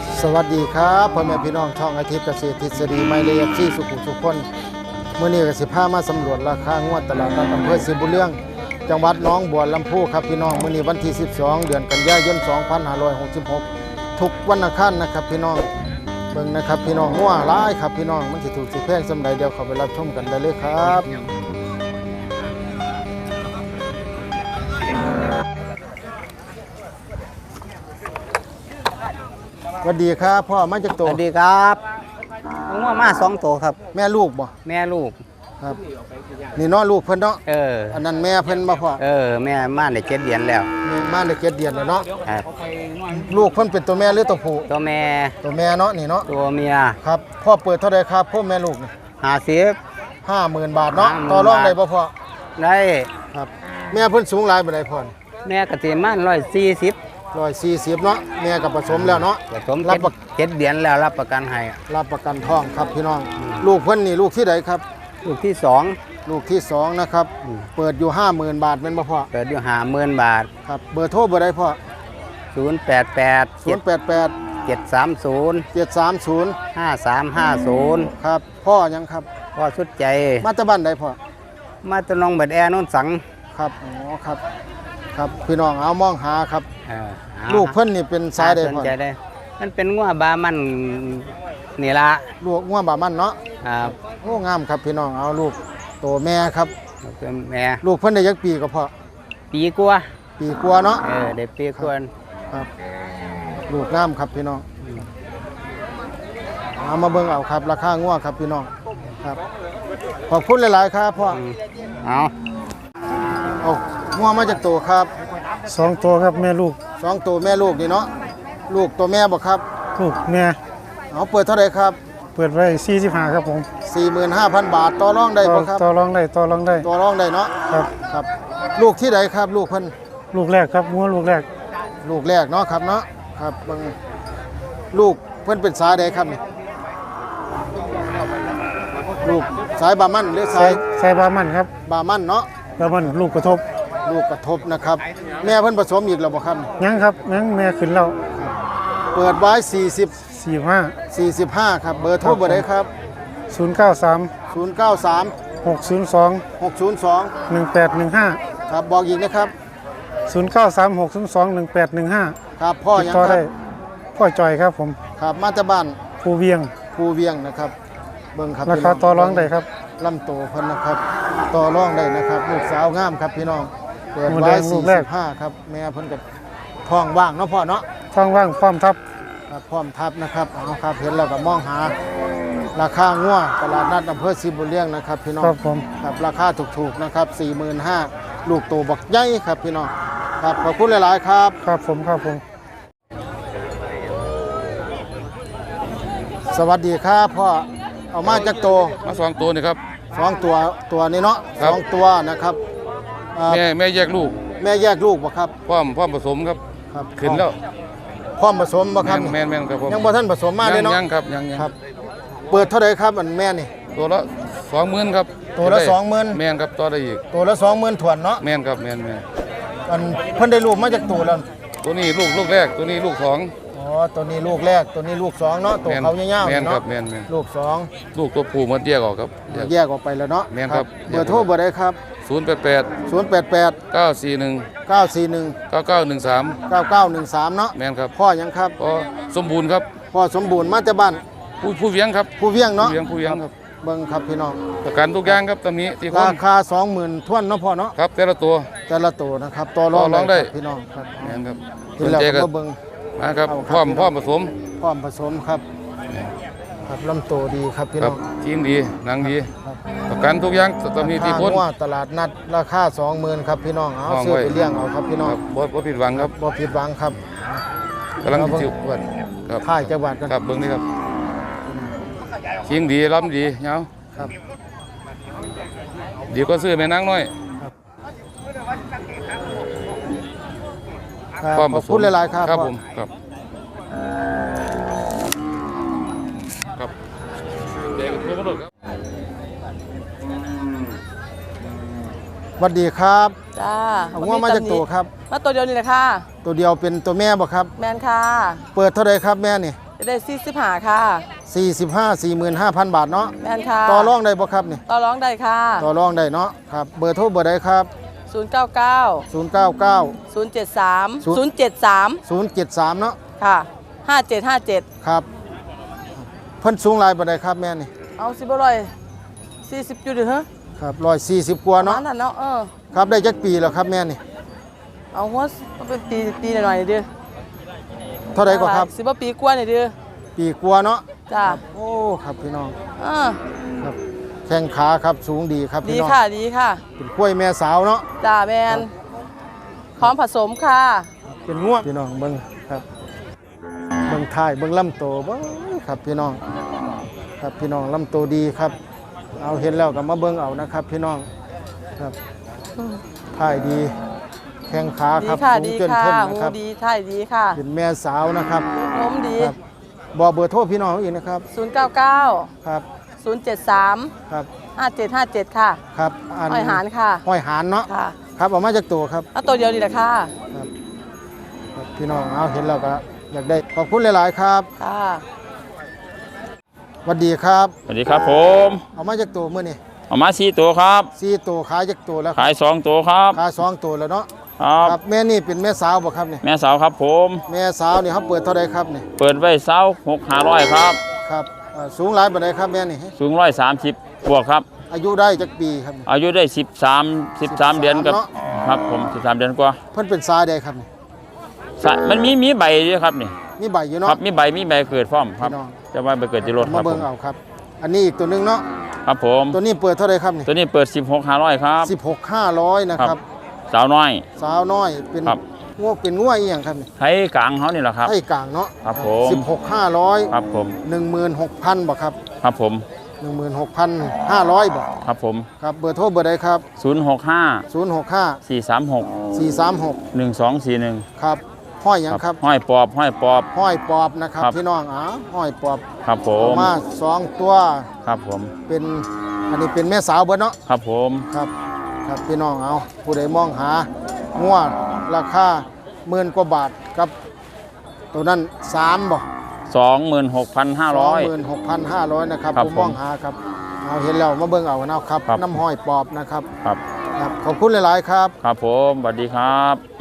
สวัสดีครับพ่อแม่พี่น้องช่องอาทิตย์เกษตรทฤษฎีไม่เลียที่สุขุมสุขคนเมื่อนี้ก็สิพามาสำรวจราคางวดตลาดนัดอำเภอศรีบุญเรื่องจังหวัดหนองบัวลำพูครับพี่น้องเมื่อนี้วันที่12เดือนกันยายน2566ทุกวันอังคารนะครับพี่น้องเบิ่งนะครับพี่น้องงัวหลายครับพี่น้องมันสิถูกสิแพงสำใดเดี๋ยวเข้าไปรับชมกันได้เลยครับสวัสดีครับพ่อมาจากตัวสวัสดีครับผมว่ามา2 ตัวครับแม่ลูกบ่แม่ลูกครับนี่เนาะลูกเพิ่นเนาะอันนั้นแม่เพิ่นบ่พ่อแม่มาได้7 เดือนแล้วมาได้7 เดือนแล้วเนาะครับลูกเพิ่นเป็นตัวแม่หรือตัวผู้ตัวแม่เนาะนี่เนาะตัวเมียครับพ่อเปิดเท่าไรครับพ่อแม่ลูกนี่50,000 บาทเนาะต่อรองได้บ่พ่อได้ครับแม่เพิ่นสูงหลายบ่ได้พ่อแม่ก็สิมา 140เนาะแม่ก็ผสมแล้วเนาะผสม7 เดือนแล้วรับประกันให้รับประกันท้องครับพี่น้องลูกเพิ่นนี่ลูกที่ใดครับลูกที่ 2นะครับเปิดอยู่ 50,000 บาทแม่นบ่พ่อเปิดอยู่50,000 บาทครับเบอร์โทรเบอร์ใดพ่อ 088 730 5350 ครับพ่อยังครับพ่อสุดใจมาจากบ้านใดพ่อมาตะนองบัดแอโน่นสังครับอ๋อครับครับพี่น้องเอามองหาครับลูกเพิ่นนี่เป็นสายใดพ่อมันเป็นงัวบามันนี่ละลูกงัวบามันเนาะครับโอ้งามครับพี่น้องเอาลูกโตแม่ครับเป็นแม่ลูกเพิ่นได้ยักปีก็พอปีกว่าเนาะได้ปีกว่าครับลูกงามครับพี่น้องเอามาเบิ่งเอาครับราคางัวครับพี่น้องครับขอบคุณหลายๆครับพ่อเอางัวมาจากตัวครับ 2 ตัวครับแม่ลูก 2 ตัวแม่ลูกนี่เนาะลูกตัวแม่บ่ครับลูกแม่เอาเปิดเท่าไหร่ครับเปิดไว้45ครับผม 45,000 บาทต่อรองได้บ่ครับต่อรองได้ต่อรองได้เนาะครับลูกที่ใดครับลูกเพิ่นลูกแรกครับงัวลูกแรกเนาะครับเนาะครับบางลูกเพิ่นเป็นสายใดครับนี่ลูกสายบามันหรือสายบามันครับบามันเนาะบามันลูกกระทบนะครับแม่เพิ่นผสมอีกแล้วบ่ครับยังครับยังแม่ขึ้นแล้วเปิดไว้45ครับเบอร์โทรเบอร์ใดครับ 093 602 1815 ครับบอกอีกนะครับ 093 602 1815 ครับพ่อยังครับพ่อจอยครับผมครับมาจากบ้านภูเวียงนะครับเบิ่งครับราคาต่อรองได้ครับลำโตเพิ่นนะครับต่อรองได้นะครับลูกสาวงามครับพี่น้องเปิดไว้45ครับแม่เพิ่นก็ท้องว่างเนาะพ่อเนาะท้องว่างพร้อมทับนะครับเอาครับเห็นแล้วก็มองหาราคางัวตลาดนัดอำเภอศรีบุญเรื่องนะครับพี่น้องครับผมครับราคาถูกๆนะครับ 45,000ลูกโตบักใหญ่ครับพี่น้องครับขอบคุณหลายๆครับครับผมสวัสดีครับพ่อเอามาจากโตมา2 ตัวนี่ครับ 2 ตัวนี้เนาะ2 ตัวนะครับแม่แยกลูกบ่ครับพร้อมผสมครับขึ้นแล้วพร้อมผสมบ่ครับแม่นครับผมยังบ่ทันผสมมาเลยเนาะยังครับยังครับเปิดเท่าไหร่ครับอันแม่นี่ตัวละ20,000ครับตัวละ20,000 แม่นครับต่อได้อีกตัวละ20,000ถ้วนเนาะแม่นครับแม่นอันเพิ่นได้ลูกมาจากตัวแล้วตัวนี้ลูกแรกตัวนี้ลูก2 อ๋อตัวนี้ลูกแรกตัวนี้ลูก2เนาะตัวเขายาวๆแม่นครับแม่นลูก 2ลูกตัวผู้มันแยกออกครับแยกออกไปแล้วเนาะแม่นครับเบอร์โทรเบอร์ใดครับ 088 941 9913 9913เนาะแม่นครับพ่อยังครับพ่อสมบูรณ์ครับพ่อสมบูรณ์มาจากบ้านผู้เวียงครับผู้เวียงเนาะผู้เวียงครับเบิ่งครับพี่น้องประกันทุกอย่างครับตำนี้ที่ราคา 20,000ท้วนเนาะพ่อเนาะครับแต่ละตัวนะครับต่อรองได้พี่น้องครับแม่นครับสนใจก็เบิ่งมาครับพร้อมผสมครับลำโตดีครับพี่น้องจริงดีหนังดีประกันทุกอย่างตำนี้ที่พ้นตลาดนัดราคา 20,000ครับพี่น้องเอาซื้อไปเลี้ยงเอาครับพี่น้องบ่ผิดหวังครับกำลังจิ๋วครับท่ายจังหวัดกันครับเบิ่งนี่ครับจริงดีล้ำดีเงาครับดีก็ซื้อแม่นางน้อยขอบคุณหลายๆครับผมครับเด็กตัวกระโดดครับสวัสดีครับจ้าเอางัวมาจากตัวครับมาตัวเดียวนี่แหละค่ะตัวเดียวเป็นตัวแม่บ่ครับแม่นค่ะเปิดเท่าไรครับแม่นี่ได้45ค่ะ 45 45,000 บาทเนาะแม่นค่ะต่อรองได้บ่ครับนี่ต่อร้องได้ค่ะต่อรองได้เนาะครับเบอร์โทรเบอร์ใดครับ 099 099 073 073 073เนาะค่ะ5757 ครับเพิ่นสูงหลายบ่ได้ครับแม่นี่เอาสิบ่ร้อย40อยู่ดิฮะครับ140กว่าเนาะเนาะนั่นเนาะครับได้จักปีแล้วครับแม่นี่เอาหัวเป็นปีหน่อยๆเด้อเท่าใดก็ครับสิบ่ปีกว่านี่เด้อปีกว่าเนาะจ้าโอ้ครับพี่น้องเออครับแข้งขาครับสูงดีครับดีพี่น้องค่ะดีค่ะเป็นกล้วยแม่สาวเนาะจ้าแมนพร้อมผสมค่ะเป็นง่วงพี่น้องเบิ่งครับเบิ่งท้ายเบิ่งลำโตเบิ่งครับพี่น้องครับพี่น้องลำโตดีครับ เอาเห็นแล้วก็มาเบิ่งเอานะครับ พี่น้องครับท้ายดีแข้งขาดีครับค่ะสูงดีจนค่ะขึ้นหูนะครับดีท่ายดีค่ะเป็นแม่สาวนะครับนมดีครับบอกเบอร์โทรพี่น้องอีกนะครับ 099 ครับ 073 ครับ 5757 ค่ะครับอ้อยหารค่ะห้อยหานเนาะค่ะครับเอามาจากตัวครับเอาตัวเดียวดีแหละค่ะครับครับพี่น้องเอาเห็นแล้วก็อยากได้ขอบคุณหลายๆครับค่ะสวัสดีครับสวัสดีครับผมเอามาจากตัวเมื่อนี่เอามา4ตัวครับ 4ตัวขายจากตัวแล้วขาย2ตัวครับขาย2ตัวแล้วเนาะครับครับแม่นี่เป็นแม่สาวบ่ครับนี่แม่สาวครับผมแม่สาวนี่เขาเปิดเท่าใดครับนี่เปิดไว้26,500ครับครับสูงหลายปานใดครับแม่นี่สูง130บวกครับอายุได้จักปีครับนี่อายุได้13เดือนกับเนาะครับผม13เดือนกว่าเพิ่นเป็นสายใดครับนี่มันมีใบด้วยครับนี่มีใบอยู่คเนาะรับมีใบเกิดพร้อมครับพี่น้องจะว่าใบเกิดที่รถคมารับผเบิ่งมเอาครับ อันนี้อีกตัวหนึงเนาะครับผมตัวนี้เปิดเท่าใดครับนี่ตัวนี้เปิด16,500ครับ 16,500นะครับสาวน้อยสาวน้อยเป็นครับงัวเป็นงัวอีหยังครับนี่ไทยกลางเขานี่แหละครับให้กลางเนาะครับผม 16,500 ครับผม 16,000บ่ครับครับผม 16,500บ่ครับผมครับเบอร์โทรเบอร์ใดครับ 065 065 436 436 1241 ครับห้อยหยังครับห้อยปอบห้อยปอบนะครับครับพี่น้องห้อยปอบครับผเอามมา2ตัวครับผมเป็นอันนี้เป็นแม่สาวเบิดเนาะครับผมครับครับพี่น้องเอาผู้ใดมองหางัวราคา10,000 กว่าบาทครับตัวนั้น3บ่ 26,500 26,500นะครับครับผู้มองหาครับเอาเห็นแล้วมาเบิ่งเอานะครับครับน้ำห้อยปอบนะครับครับครับขอบคุณหลายๆครับครับผมสวัสดีครับ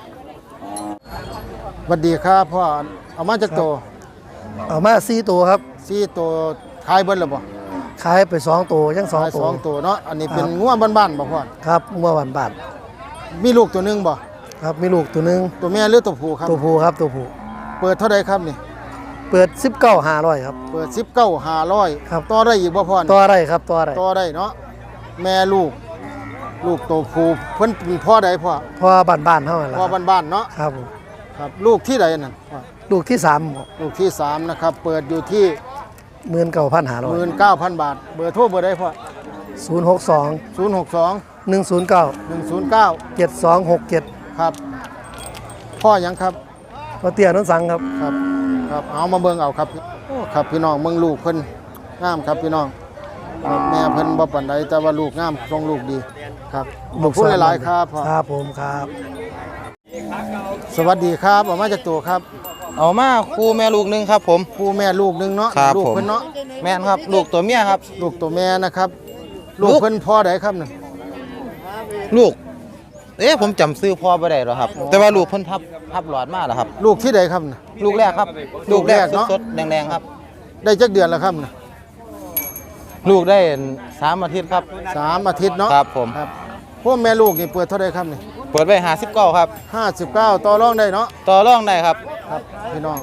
สวัสดีครับพ่อเอามาจากตัวเอามา4ตัวครับ 4ตัวขายเบิดแล้วบ่ขายไป2ตัวยังขาย 2ตัว 2ตัวเนาะอันนี้เป็นครับงัวบ้านๆบ่พ่อครับเมื่อวันบาทมีลูกตัวหนึงบ่ครับมีลูกตัวหนึงตัวแม่หรือตัวผู้ครับตัวผู้ครับตัวผู้เปิดเท่าใดครับนี่เปิด19,500ครับเปิด19,500 ครับต่อได้อีกบ่พ่อนี่ตัวอะไรครับตัวอะไรต่อได้เนาะแม่ลูกตัวผู้เพิ่นเป็นพ่อใดพ่อพอบ้านๆเท่านั้นแหละพ่อครับบ้านๆเนาะครับผมครับลูกที่ใดนั่นพ่อลูกที่3ครับลูกที่3นะครับเปิดอยู่ที่ 19,500 19,000 บาท เบอร์โทรเบอร์ใดพ่อ 062 062 109 109 7267 ครับ พ่อหยังครับก็เตี้ยนนสังครับครับครับเอามาเบิ่งเอาครับโอ้ครับพี่น้องเบิ่งลูกเพิ่นงามครับพี่น้องครับแม่เพิ่นบ่ปานใดแต่ว่าลูกงามทรงลูกดีครับขอบคุณหลายๆครับพ่อครับผมครับสวัสดีครับออกมาจากตัวครับเอามาคู่แม่ลูกหนึงครับผมผู้แม่ลูกหนึงเนาะครับลูกผมเพิ่นเนาะแม่นครับ ลูกตัวเมียครับลูกตัวแม่นะครับ ลูกลูกเพิ่นพ่อใดครับนั่นลูก ผมจำซื้อพ่อบ่ได้หรอกครับ แต่ว่าลูกเพิ่นพับหลอดมาแล้วครับลูกที่ใดครับน่ะลูกแรกครับ ลูกแรกเนาะสดๆแดงๆครับได้จักเดือนแล้วครับน่ะลูกได้3 อาทิตย์ครับ 3 อาทิตย์เนาะครับผมครับพวกแม่ลูกนี่เปิดเท่าใดครับนี่เปิดไว้59ครับ 59ต่อรองได้เนาะต่อรองได้ครับครับพี่น้อง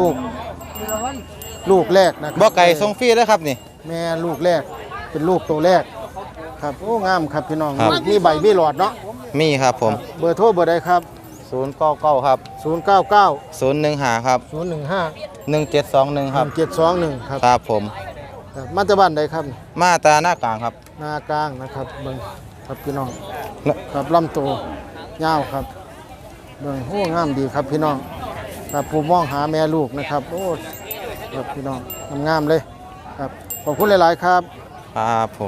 ลูกแรกนะครับ่ไก่ส่งฟรีเด้อครับนี่แม่ลูกแรกเป็นลูกตัวแรกครับโอ้งามครับพี่น้องครับมีใบมีหลอดเนาะมีครับผมเบอร์โทรเบอร์ใดครับ 099ครับ 099 015ครับ 015 1721ครับ 1721ครับครับผมครับมาจากบ้านใดครับมาตราหน้ากลางครับนากลางนะครับเบิ่งครับพี่น้องเนอะครับลำโตยาวครับเบิ่งโอ้งามดีครับพี่น้องครับผู้มองหาแม่ลูกนะครับโอ้ครับพี่น้องงามๆเลยครับขอบคุณหลายๆครับครับผม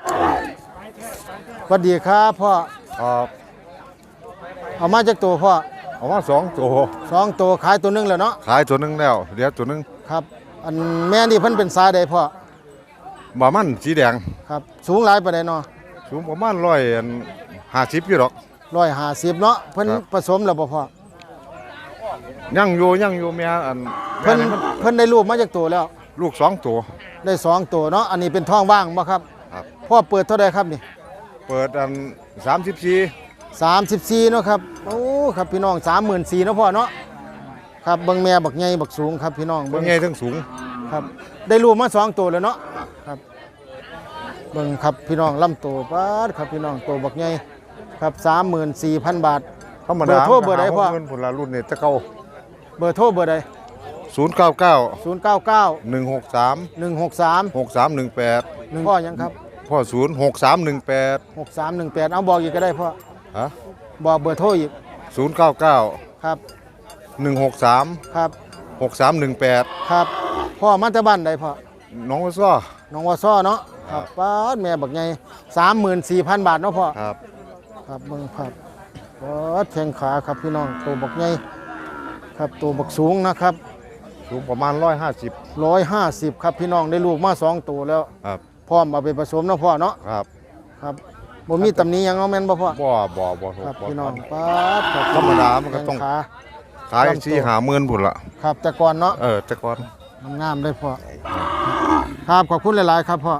สวัสดีครับพ่อครับเอามาจากตัวพ่อเอามา2ตัว 2ตัวขายตัวหนึงแล้วเนาะขายตัวหนึงแล้วเหลือตัวหนึงครับอันแม่นี่เพิ่นเป็นสายใดพ่อบามันสีแดงครับสูงหลายปานใดเนาะสูงประมาณ150อยู่หรอก 150เนาะเพิ่นครับผสมแล้วบ่พ่อยังอยู่แม่อันเพิ่นแม่นี่มันเพิ่นได้ลูกมาจากตัวแล้วลูก2ตัวได้2ตัวเนาะอันนี้เป็นท้องว่างบ่ครับครับพ่อเปิดเท่าใดครับนี่เปิดอัน34 34เนาะครับโอ้ครับพี่น้อง 34,000เนาะพ่อเนาะครับเบิ่งแม่บักใหญ่บักสูงครับพี่น้องเบิ่งใหญ่ทั้งสูงครับได้ลูกมา2ตัวแล้วเนาะครับเบิ่งครับพี่น้องลำตัวปาดครับพี่น้องตัวบักใหญ่ครับ 34,000 บาทธรรมดาเบอร์โทรเบอร์ใดพ่อเงินผลละรุ่นนี่ตะเก่าเบอร์โทรเบอร์ใด 099 099 163 163 6318 พ่อยังครับพ่อ06318 6318เอาบอกอีกก็ได้พ่อฮะบอกเบอร์โทรอีก 099 ครับ 163 ครับ 6318 ครับพ่อมาจากบ้านใดพ่อน้องว่าซ้อน้องวอซ้อเนาะครับป้าดแม่บักใหญ่34,000 บาทเนาะพ่อครับครับเบิ่งครับป้าดแข้งขาครับพี่น้องตัวบักใหญ่ครับตัวบักสูงนะครับสูงประมาณ150 150ครับพี่น้องได้ลูกมา2ตัวแล้วครับพร้อมเอาไปผสมเนาะพ่อเนาะครับครับบ่มีตำหนิหยังเอาแม่นบ่พ่อบ่ครับพี่น้องป้าดครับธรรมดามันก็ต้องแข้ขาขาย4-50,000พุ่นละครับแต่ก่อนเนาะแต่ก่อนงามได้พ่อครับขอบคุณหลายๆครับพ่อ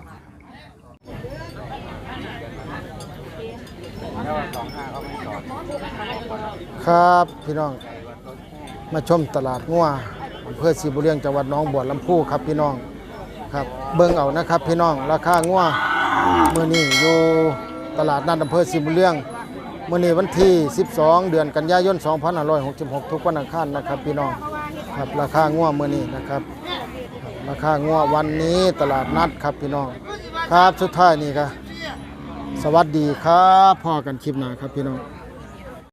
ครับพี่น้องมาชมตลาดงัวอำเภอศรีบุญเรืองจังหวัดหนองบัวลำพูครับพี่น้องครับเบิ่งเอานะครับพี่น้องราคางัวมื้อนี้อยู่ตลาดนัดอำเภอศรีบุญเรืองมื้อนี้วันที่ 12 เดือนกันยายน 2566 ทุกวันอังคารนะครับพี่น้องครับราคางัวมื้อนี้นะครับราคางัววันนี้ตลาดนัดครับพี่น้องครับสุดท้ายนี่ก็สวัสดีครับพ่อกันคลิปหน้าครับพี่น้อง